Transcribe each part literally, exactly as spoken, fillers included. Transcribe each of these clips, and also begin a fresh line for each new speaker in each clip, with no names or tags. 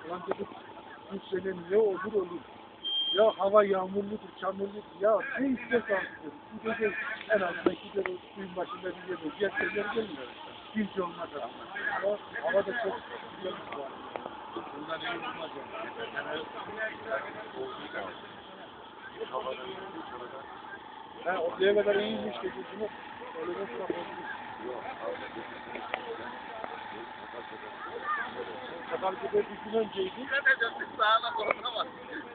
Ulan dedik bu sene ne olur olur. Ya hava yağmurludur, çamurludur. Ya ne isterse artık dedik. Bu gece en azından gider o suyun başında bir yer olur. Diğer şeyler gelmiyor. Hiç olmaz aslında. Ama hava da çok güzel bir var. Bundan iyi olmaz yani. Ha, o diye kadar iyiymiş gecesini. Öyle bir sıra olmuş. Katarcı'da bir gün önceydi. Ne diyeceksin? Sağına korkamaz.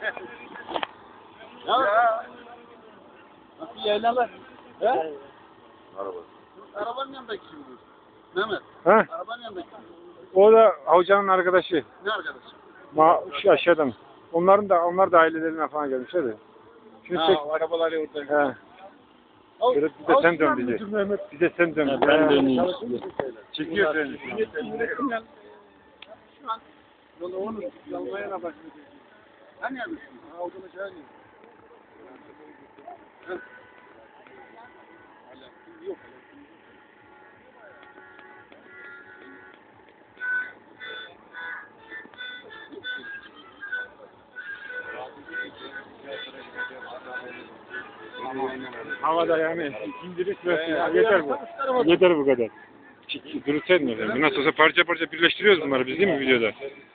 Ya. Nasıl yaylalar? He?
Araba.
Arabanın yanındaki kim bu? Mehmet.
Ha?
Arabanın yanındaki kim?
O da hocanın arkadaşı.
Ne arkadaş?
Ma şu aşağıdan. Onların da onlar da ailelerine falan gelmişler de. Şunu
Ha,
çek.
o arabalar orada.
He. Böyle bir de sen dön bize. Bir de sen dön.
Ha, ben döneyim.
Çekiyor seni.
Şu an yolu onu yalmaya başladı. Hani yapıyorsun? Ha, olduğunu şey hani. Yok.
Havada yani indirik ve yeter bu. Yeter bu kadar. Durursaydın efendim. Nasıl olsa parça parça birleştiriyoruz bunları biz değil mi videoda?